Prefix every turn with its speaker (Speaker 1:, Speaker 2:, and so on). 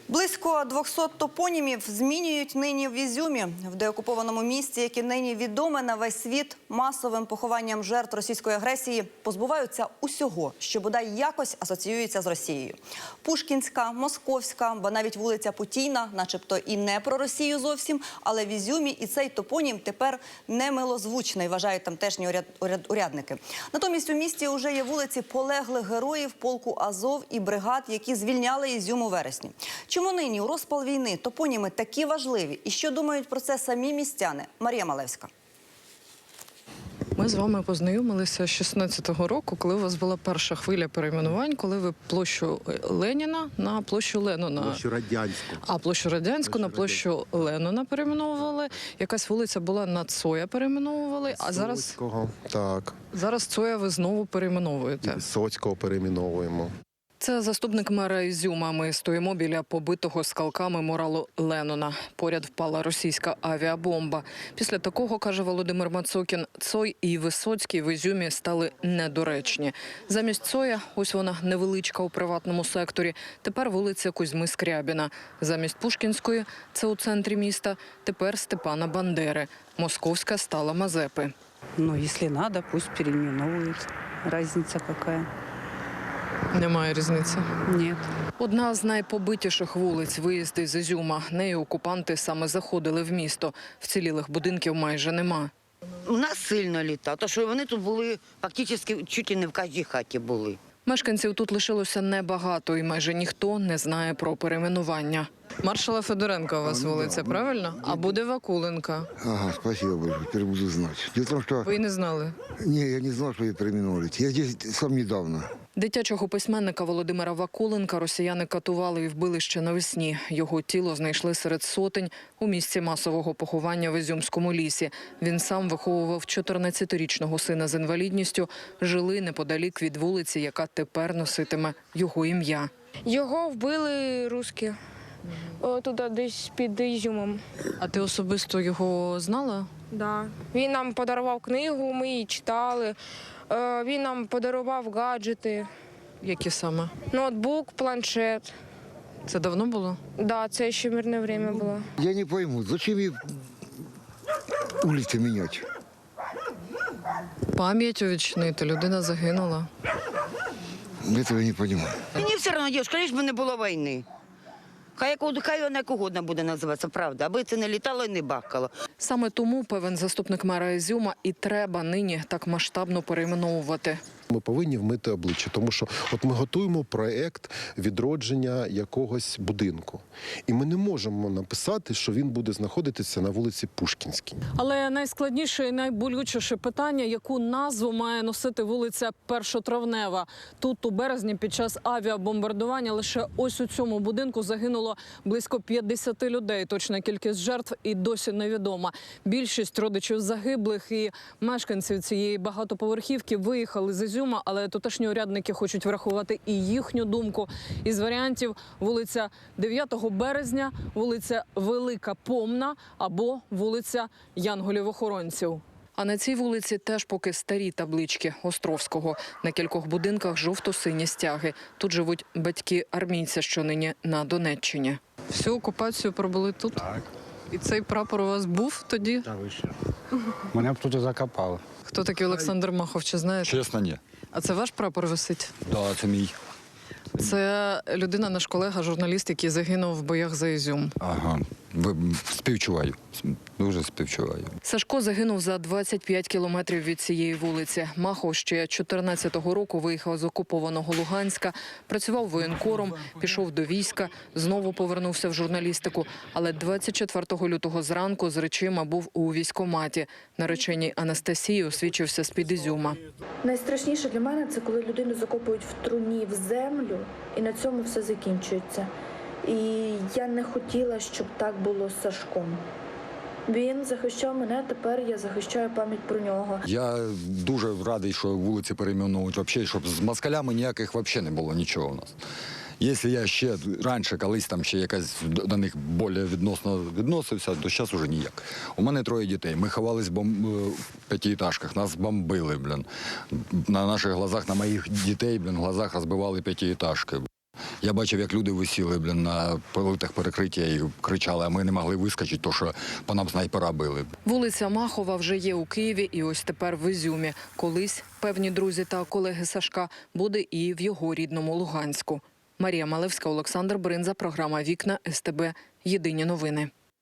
Speaker 1: Близько 200 топонімів змінюють нині в Ізюмі, в деокупованому місті, яке нині відоме на весь світ масовим похованням жертв російської агресії, позбуваються усього, що бодай якось асоціюється з Росією. Пушкінська, Московська, ба навіть вулиця Путійна, начебто і не про Росію зовсім, але в Ізюмі і цей топонім тепер немилозвучний, вважають тамтешні урядники. Натомість у місті вже є вулиці полеглих героїв полку Азов і бригад, які звільняли Ізюм у вересні. Чому нині у розпал війни топоніми такі важливі? І що думають про це самі містяни? Марія Малевська.
Speaker 2: Ми з вами познайомилися 16-го року, коли у вас була перша хвиля перейменувань, коли ви площу Леніна на площу Леннона.
Speaker 3: Площу Радянську.
Speaker 2: А площу Радянську на площу Леннона перейменовували. Якась вулиця була на Цоя перейменовували, а зараз...
Speaker 3: Соцького, так.
Speaker 2: Зараз Цоя ви знову перейменовуєте.
Speaker 3: Соцького перейменовуємо.
Speaker 2: Це заступник мера Ізюма. Ми стоїмо біля побитого скалками муралу Леннона. Поряд впала російська авіабомба. Після такого, каже Володимир Мацокін, Цой і Висоцький в Ізюмі стали недоречні. Замість Цоя, ось вона невеличка у приватному секторі, тепер вулиця Кузьми Скрябіна. Замість Пушкінської, це у центрі міста, тепер Степана Бандери. Московська стала Мазепи.
Speaker 4: Ну, если надо, пусть переименовывают. Разница какая?
Speaker 2: Немає різниці.
Speaker 4: Нет.
Speaker 2: Одна з найпобитіших вулиць виїзди з Ізюма. Нею окупанти саме заходили в місто. Вцілілих будинків майже нема.
Speaker 5: У нас сильно літа, тому що вони тут були фактично чуть і не в кожній хаті були.
Speaker 2: Мешканців тут лишилося небагато і майже ніхто не знає про перейменування. Маршала Федоренка у вас вулиця, правильно? А буде Вакуленка.
Speaker 6: Ага, спасибо большое, теперь буду знать. Дело в том, что...
Speaker 2: Ви й не знали?
Speaker 6: Не, я не знал, что ее переименовали. Я здесь сам недавно.
Speaker 2: Дитячого письменника Володимира Вакуленка росіяни катували і вбили ще навесні. Його тіло знайшли серед сотень у місці масового поховання в Ізюмському лісі. Він сам виховував 14-річного сина з інвалідністю. Жили неподалік від вулиці, яка тепер носитиме його ім'я.
Speaker 7: Його вбили русські, туди десь під Ізюмом.
Speaker 2: А ти особисто його знала?
Speaker 7: Да. Він нам подарував книгу, ми її читали. Він нам подарував гаджети,
Speaker 2: Які саме?
Speaker 7: ноутбук, планшет.
Speaker 2: Це давно було?
Speaker 7: Да, це ще мирне время було.
Speaker 6: Я не пойму, зачем ей улицы менять?
Speaker 2: Пам'ять увічнити, людина загинула.
Speaker 6: Этого я не понимаю.
Speaker 5: Мені все одно, дівчинка, лиш би не було війни. Хай вона як угодно буде називатися, правда, аби це не літало і не бахкало.
Speaker 2: Саме тому, певен заступник мера Ізюма, і треба нині так масштабно перейменовувати.
Speaker 3: Ми повинні вмити обличчя, тому що от ми готуємо проєкт відродження якогось будинку. І ми не можемо написати, що він буде знаходитися на вулиці Пушкінській.
Speaker 2: Але найскладніше і найболючіше питання, яку назву має носити вулиця Першотравнева. Тут у березні під час авіабомбардування лише ось у цьому будинку загинуло близько 50 людей. Точна кількість жертв і досі невідома. Більшість родичів загиблих і мешканців цієї багатоповерхівки виїхали з Ізюма, але тутешні урядники хочуть врахувати і їхню думку. Із варіантів вулиця 9 березня, вулиця Велика Помна або вулиця Янголів-охоронців. А на цій вулиці теж поки старі таблички Островського. На кількох будинках жовто-сині стяги. Тут живуть батьки армійця, що нині на Донеччині. Всю окупацію пробули тут?
Speaker 8: Так.
Speaker 2: І цей прапор у вас був тоді?
Speaker 8: Та ви що? Мене б тут закопали.
Speaker 2: Хто такий Олександр Махов, чи знаєте?
Speaker 8: Чесно, ні.
Speaker 2: А це ваш прапор висить?
Speaker 8: Так, це мій.
Speaker 2: Це людина, наш колега, журналіст, який загинув в боях за Ізюм.
Speaker 8: Ага. Співчуваю. Дуже співчуваю.
Speaker 2: Сашко загинув за 25 кілометрів від цієї вулиці. Махов ще 14-го року виїхав з окупованого Луганська, працював воєнкором, пішов до війська, знову повернувся в журналістику. Але 24 лютого зранку з речима був у військкоматі. Нареченій Анастасії освічився з-під Ізюма.
Speaker 9: Найстрашніше для мене – це коли людину закопують в труні в землю, і на цьому все закінчується. І я не хотіла, щоб так було з Сашком. Він захищав мене, тепер я захищаю пам'ять про нього.
Speaker 10: Я дуже радий, що вулиці перейменують, взагалі, щоб з москалями ніяких взагалі не було нічого у нас. Якщо я ще раніше колись там ще якась до них більш відносно відносився, то зараз вже ніяк. У мене 3 дітей. Ми ховались в п'ятиэтажках, нас бомбили, блін. На наших глазах, на моїх дітей, блін, в глазах розбивали п'ятиэтажки. Я бачив, як люди висіли, блін, на плитах перекриття і кричали, а ми не могли вискочити, тому що по нам снайпера били.
Speaker 2: Вулиця Махова вже є у Києві і ось тепер в Ізюмі. Колись, певні друзі та колеги Сашка, буде і в його рідному Луганську. Марія Малевська, Олександр Бринза, програма «Вікна», СТБ. Єдині новини.